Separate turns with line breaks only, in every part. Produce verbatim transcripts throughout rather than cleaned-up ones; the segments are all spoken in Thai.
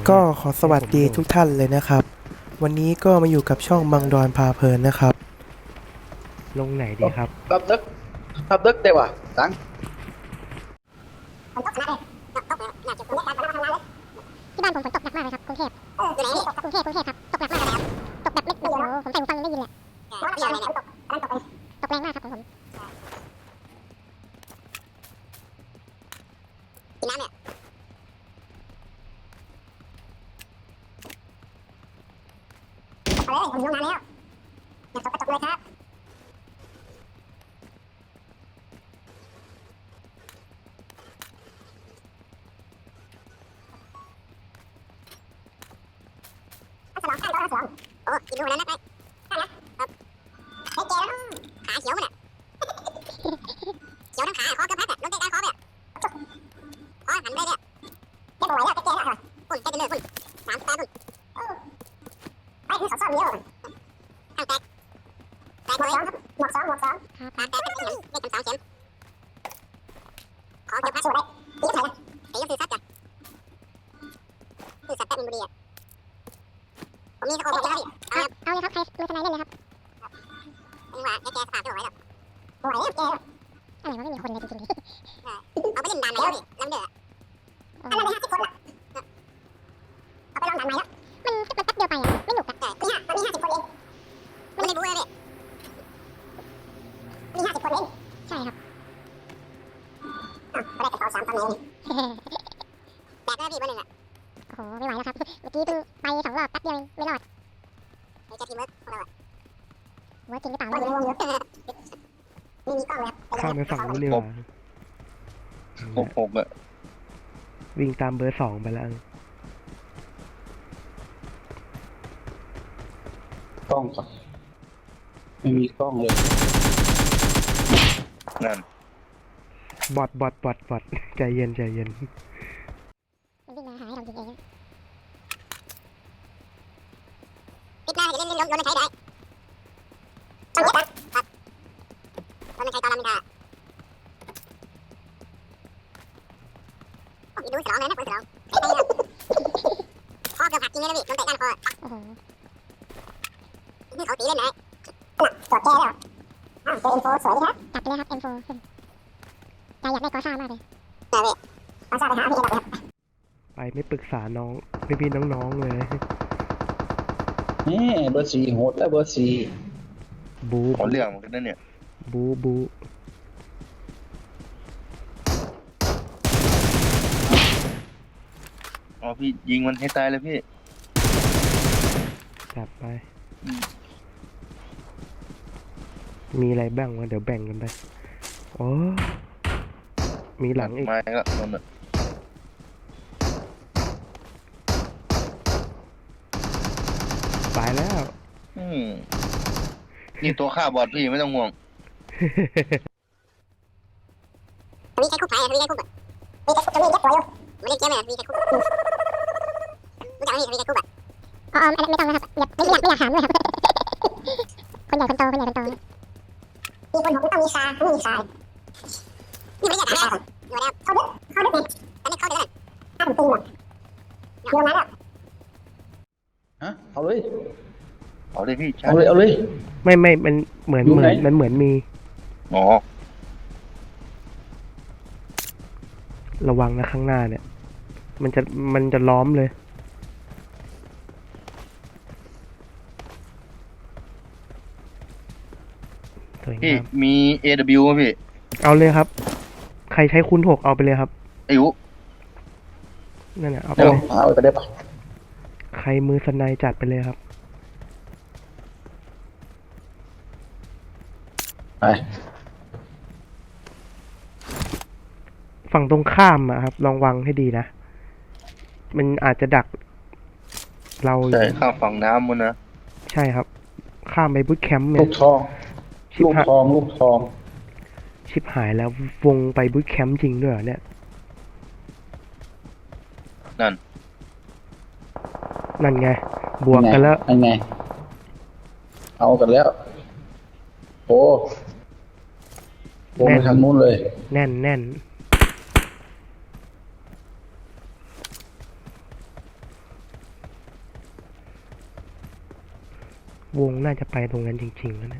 ก็ขอสวัสดีทุกท่านเลยนะครับวันนี้ก็มาอยู่กับช่องบังดอนพาเพลินนะครับลงไหนดีครับ
Đập đất, đập đất đều à? Sáng.
ฝนตกหนักเลยตกตกเลยหนักจุดตรงนี้การทำงานเลยที่บ้านผมฝนตกหนักมากเลยครับกรุงเทพอยู่ไหนกรุงเทพกรุงเทพครับตกหนักมากเลยครับตกแบบไม่โอ้โหผมใส่หูฟังได้ยินเลยไม่ยอมเลยเนี่ยตกตกตกแรงมากครับของผมกินน้ำเนี่ยตกเลยผมลงน้ำแล้วอยากตกก็ตกเลยครับสองข้างก็สองโอ้กินดูนั้นนะไปข้างนะครับเฮ้ยเจ๊แล้วขาเขียวมันอ่ะเขียวทั้งขาคอเกือบพัดอ่ะลงเตะกลางคอเนี่ยคอหันไปเนี่ยเจ๊บอกไว้แล้วเจ๊แล้วคุณเจ๊จะเลิกคุณสามสิบแปดคุณไปที่เขาซ่อมเยอะข้างแตกแตกเลยหมวกสองหมวกสองตาแตกเป็นเข็มเป็นเข็มสองเข็มคอเกือบพัดสวยตีก็ไถ่ละตีก็คือซัดจ้ะคือซัดแป๊บมินบุรีอ่ะผมมีสโคปผมนะครับพี่เอาเลยครับใครมือทนายเล่นเลยครับนี่ว่าแกแกสภาพไม่ไหวหรอกไหวแล้วแกอะไรวะไม่มีคนเลยจริงๆเอาไปเล่นด่านไหนแล้วพี่ลำเดือดอันนั้นได้ห้าสิบคนละเอาไปลองด่านไหนแล้วมันมันแป๊บเดียวไปอ่ะไม่หนุกอ่ะมีห้ามันมีห้าสิบคนเองมันไม่ได้บู๊เลยพี่มีห้าสิบคนเองใช่ครับอ่ะก็ได้กระเป๋าสามตำแหน่งแบกได้พี่เบอร์หนึ่งอ่ะโอ้โหไม่ไหวแล้วครับเมื่อกี้เพิ่งไปสองรอบแป๊บเดียวเองไม่รอดไอ้เจ้าทีมเวิร์กของเราอะเวิร์กจริงหรือเปล่าไม่รู้ไม่มีกล้องเลยครับ
ข้ามไปฝั่งนู้นดีกว่า
หกหกอ่ะ
วิ่งตามเบอร์สองไปแล้ว
กล้องก่อนไม่มีกล้องเลย นั่น
บอดบอดบอดบอดใจเย็นใจเย็น
มันวิ่งมาหาให้เรายิงเองปิดหน้าจะเล่นเล่นล้มล้มไม่ใช้ได้ต้องเย็บนะครับล้มไม่ใช้ตอนลามินดาโอ้ยดูสลองเลยนะคนสลองใช้ได้เลยคอเกือบหักจริงเลยนะพี่โดนเตะด้านคอโอ้โหนี่เขาตีเล่นไหนน่ะจอดแก้แล้วอ้าวเจอเอ็มโฟสวยดีครับจัดไปเลยครับเอ็มโฟใจอยากได้กอซ่ามากเลยเออพี่กอซ่าไปหาพี่เอ็มครับ
ไปไม่ปรึกษาน้องพี่พี่น้องๆเลย
นี่เบอร์สี่โหดแล้วเบอร์สี่
บู
ขอเรื่องเหมือนกันนะเนี่ย
บูบู
อ๋อพี่ยิงมันให้ตายเลยพี่
จับไป มีอะไรบ้างวะเดี๋ยวแบ่งกันไปโอ้มีหลังอีก
ไม้ก็โดนอ่ะ
ตายแล้ว
อืมนี่ตัวฆ่าบอดพี่ไม่ต้องห่วง
มีใครคุกไหมมีใครคุกอ่ะมีใครคุกจะมีเย็บตัวอยู่ไม่ได้เจ็บเลยมีใครคุกรู้จักไหมมีใครคุกอ่ะอ๋ออันนั้นไม่ต้องนะครับอย่าไม่อยากไม่อยากถามเลยครับคนใหญ่คนโตคนใหญ่คนโตมีคนผมต้องมีชาไม่มีชานี่ไม่อยากถามเลยอยู่แล้วเขาดึกเขาดึกเนี่ยตอนนี้เขาดึกเลยถ้าผมตีหมดโยนมาแล้ว
ฮะเอาเลย
เอาเลยพี่
เอาเลยเอาเลย
ไม่ไม่มันเหมือน
อยู่
เหมื
ไหน
อนมันเหมือนมี
อ๋อ
ระวังนะข้างหน้าเนี่ย มันจะมันจะล้อมเลยสวย
พี่
งาม
มี เอ ดับเบิลยู ไหมพี่
เอาเลยครับ ใครใช้คูณหกเอาไปเลยครับ
อายุ
นั่นแหละเอาไป
เดี๋ยว
เลย
เอาไปได้ปะ
ใครมือสไนด์จัดไปเลยครับ
ไป
ฝั่งตรงข้ามอะครับลองวางให้ดีนะ มันอาจจะดัก เราอยู่
ใช่ข้ามฝั่งน้ำมันนะ
ใช่ครับ ข้ามไปบูทแคมป์เนี่
ลู
ย
กทอง
ชิบ
ลูก
หาย
ทองลูกทอง
ชิบหายแล้ววงไปบูทแคมป์จริงด้วยเหรอเนี่ย
นั่น
นั่นไง บวกกันแล้ว
ยังไงเอากันแล้วโอ้วงไปทางนู้นเลย
แน่นแน่นวงน่าจะไปตรงนั้นจริงๆแล้วนะ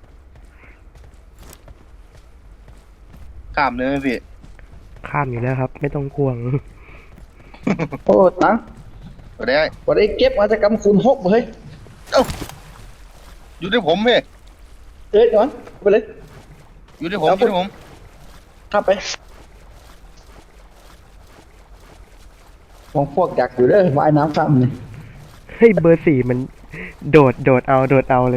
ข้ามเลยไหมพี่
ข้ามอยู่แล้วครับ ไม่ต้องห่วง
โอ้ตัง
ก็ได้
วันนี้เก็บมาจากกำคูณหกเฮ้ย
เอ้าอยู่ที่ผมพี่
เอ้ยก่อนไปเลย
อยู่ที่ผมอยู่ที่ผม
ทับไปมองพวกอยากอยู่เด้อว่ายน้ำซ้ำนี่
เฮ้ยเบอร์สี่มันโดดโดดเอาโดดเอาเลย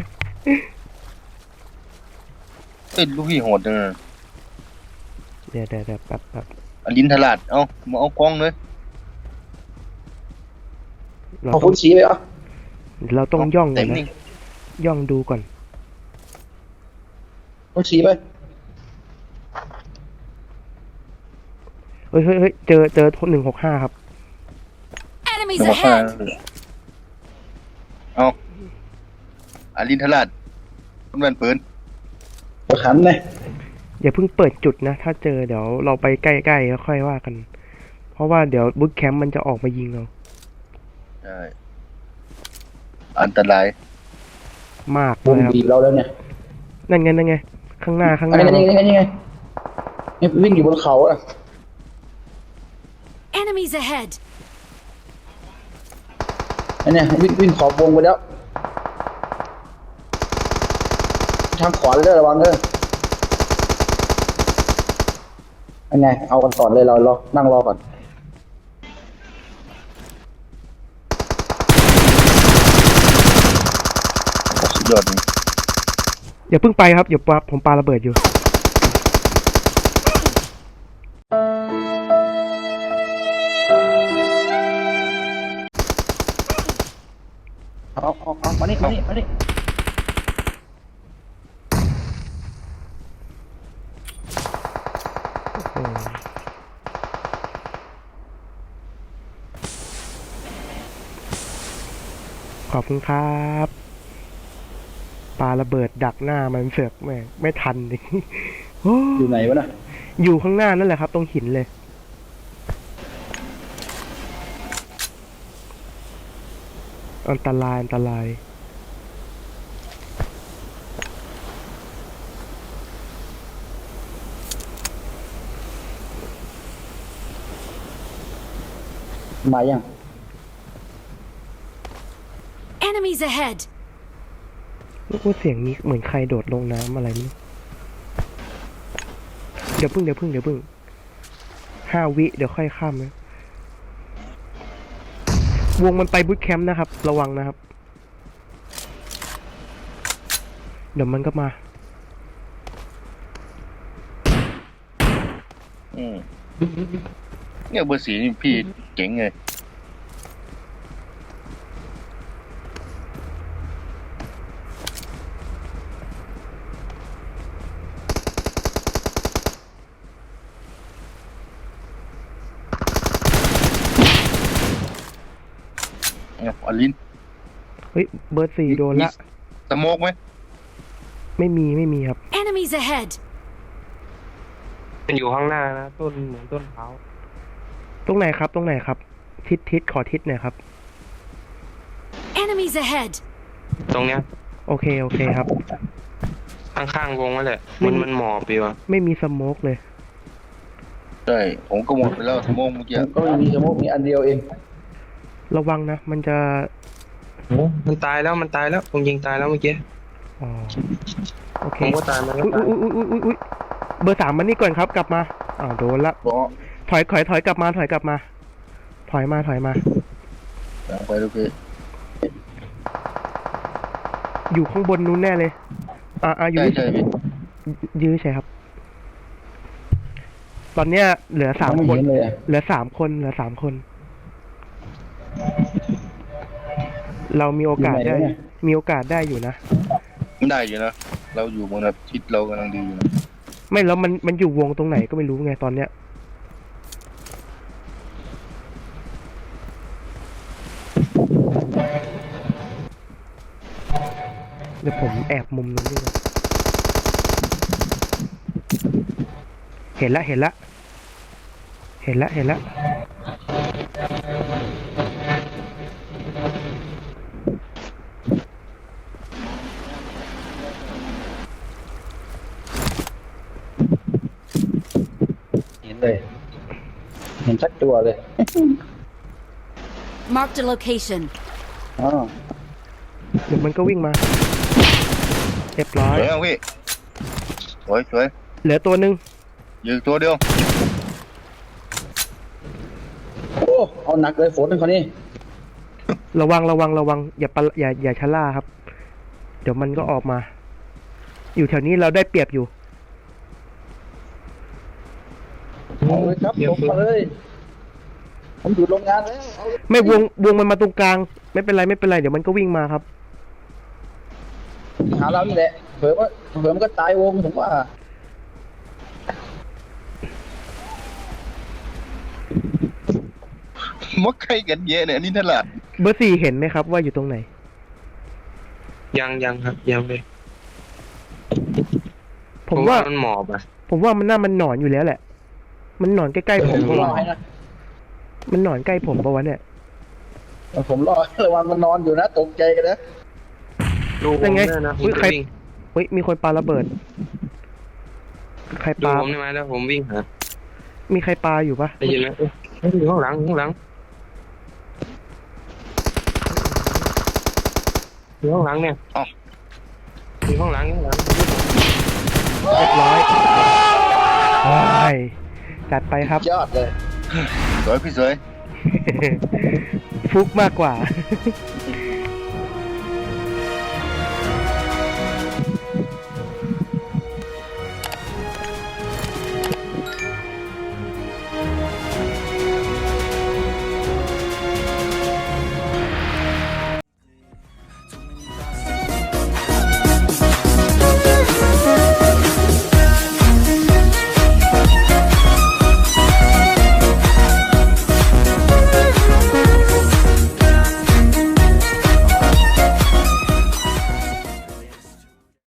เอ้ยลูกพี่โหดจังเลย
เดี๋ยวเดี๋ยวเดี๋ยวแป๊บแป๊บ
อลินทลาดเอ้ามาเอากล้องเลย
เรา
เอา
ต้อ
คุ
ง
ณชี้ไปอ่ะ
เราต้องย่องก่
เต็
อน
ม
นะ
นี่
ย่องดูก่อน
คุณชี้ไป
เฮ้ยเฮ้ยเฮ้ยเจอเจอหนึ่งหกห้าครับ
ห
Enemies
นึ่งหกห้า
ahead!
เอาอลินทลาดคุณแม่นปืน
ประคันเลย
อย่าเพิ่งเปิดจุดนะ ถ้าเจอเดี๋ยวเราไปใกล้ๆแล้วค่อยว่ากัน เพราะว่าเดี๋ยวบุ๊คแคมป์มันจะออกมายิงเรา
ใช่อันตราย
มาก
วง
เลยครับ
บีบเราแล้วเนี่ย
นั่นไงนั่นไง ข้างหน้าข้างห
อัน
น้า
นี้
เรา
ไงนี่ไงนี่ไงนี่วิ่งอยู่บนเขาอ่ะ
Enemies ahead!
อันเนี้ยวิ่งวิ่งขอบวงไปแล้ว ทางขวาเลยเด้อระวังเด้ออันไงเอากันก่อนเลยเรารอนั่งรอก่อน
สุดยอดจริง
อย่าเพิ่งไปครับอย่าปาผมปาระเบิดอยู่
เอาเอาเอามานี่มานี่มานี่
อืมขอบคุณครับปาระเบิดดักหน้ามันเสือกแม่งไม่ทันดิ โอ้
อยู่ไหนวะน่ะ
อยู่ข้างหน้านั่นแหละครับ ตรงหินเลย อันตรายอันตราย
มายัง
Enemies ahead!
ลูกว่าเสียงนี้เหมือนใครโดดลงน้ำอะไรไม่รู้เดี๋ยวพึ่งเดี๋ยวพึ่งเดี๋ยวพึ่งห้าวิเดี๋ยวค่อยข้ามนะวงมันไปบูทแคมป์นะครับ ระวังนะครับ เดี๋ยวมันก็มา
อืมเนี่ยเบอร์สีนี่พี่เจ๋งเลย เนี่ยอลิน
เฮ้ยเบอร์สี่โดนละ
สโมกไหม
ไม่มีไม่มีครับ
Enemies ahead!
มันอยู่ข้างหน้านะต้นเหมือนต้นเท้า
ตรงไหนครับ ตรงไหนครับ ทิศทิศขอทิศหน่อยครับ
Enemies ahead!
ตรงเนี้ย
โอเคโอเคครับ
ข้างๆวงนั่นแหละ
ไม่
มันมันหมอบอยู่อะ
ไม่มีสโมกเลย
ใช่ผมก็หมดไปแล้วสโมกเมื่อกี้
ก็ไม่มีสมมติมีอันเดียวเอง
ระวังนะ มันจะ
มันตายแล้วมันตายแล้วผมยิงตายแล้วเมื่อกี้
อ๋อโอเค
ผมก็ตายมันก็
อุ้ย
ตาย
อุ้ยอุ้ยอุ้ยอุ้ยเบอร์สามมันนี่ก่อนครับ กลับมาอ้าวโดนละ
บอก
ถอยถอยถอยกลับมาถอยกลับมา ถอยมาถอยมา
สั่งไปลูกพี่
อยู่ข้างบนนู้นแน่เลย อ่าอ่าอยู่
ใช่ใช่พี่
ยื้อใช่ครับ ตอนเนี้ยเหลือสาม
ไม่
คน
เห็นเลยอะ
เหลือสามคนเหลือสามคน เรามีโอกาสได้ มีโอกาสได้อยู่นะ
ได้อยู่นะ เราอยู่บนแบบทิศเรากำลังดีอยู่นะ
ไม่แล้วมันมันอยู่วงตรงไหนก็ไม่รู้ไงตอนเนี้ย เดี๋ยวผมแอบมุมนู้นดีกว่าเห็นละเห็นละ เห็นละเห็นละ
เลย เห็นชัดตัวเลย
Marked a location.
อ๋อ
เดี๋ยวมันก็วิ่งมา เรียบร้อ
ส
ย
วยเอาพี่สวยสวย
เหลือตัวหนึ่ง
ยืนตัวเดียว
โอ้เอาหนักเลยฝนคนนี้
ระวังระวังระวังอย่าปะอย่าอย่าชะล่าครับ เดี๋ยวมันก็ออกมา อยู่แถวนี้เราได้เปรียบอยู่
เอาเลยครับผมมาเลย ผมอยู่โรงงานแล้วเอาเลย
ไม่วงวงมันมาตรงกลาง ไม่เป็นไรไม่เป็นไรเดี๋ยวมันก็วิ่งมาครับ
หาเรานี่แหละเผื่อว่าเผื่อมันก็ตายวงผมว่า
มักใครกันเยอะเนี่ยอันนี้ตลาด
เบอร์สี่เห็นไหมครับว่าอยู่ตรงไหน
ยังยังครับยังเลย
ผมว่า
มันหมอบอ่ะ
ผมว่ามันน่ามันหนอนอยู่แล้วแหละ มันหนอนใกล้ๆผม
ผม
ปะ
รอ
วะ
ให้นะ
มันหนอนใกล้ผมปะวะเนี่ย
ผมรอระวังมันนอนอยู่นะตกใจกันนะ
ดูผม
เป็นไง
ได้นะผม
อุ๊ย
จะ
ใคร
วิ่ง
เฮ้ยมีคนปาระเบิด ใคร
ดู
ปา
ผมได้ไหมแล้วผมวิ่งหา
มีใครปาอยู่ปะ
ได้ยินไหมเอ้ยเฮ้ยอยู่ข้างหลังข้างหลังอยู่ข้างหลังเนี่ย
เอ้า
อยู่ข้างหลังข้างหลัง
เรียบร้อยโอ้ยจัดไปครับ
ยอดเลย
สวยพี่สวย
ฟุกมากกว่า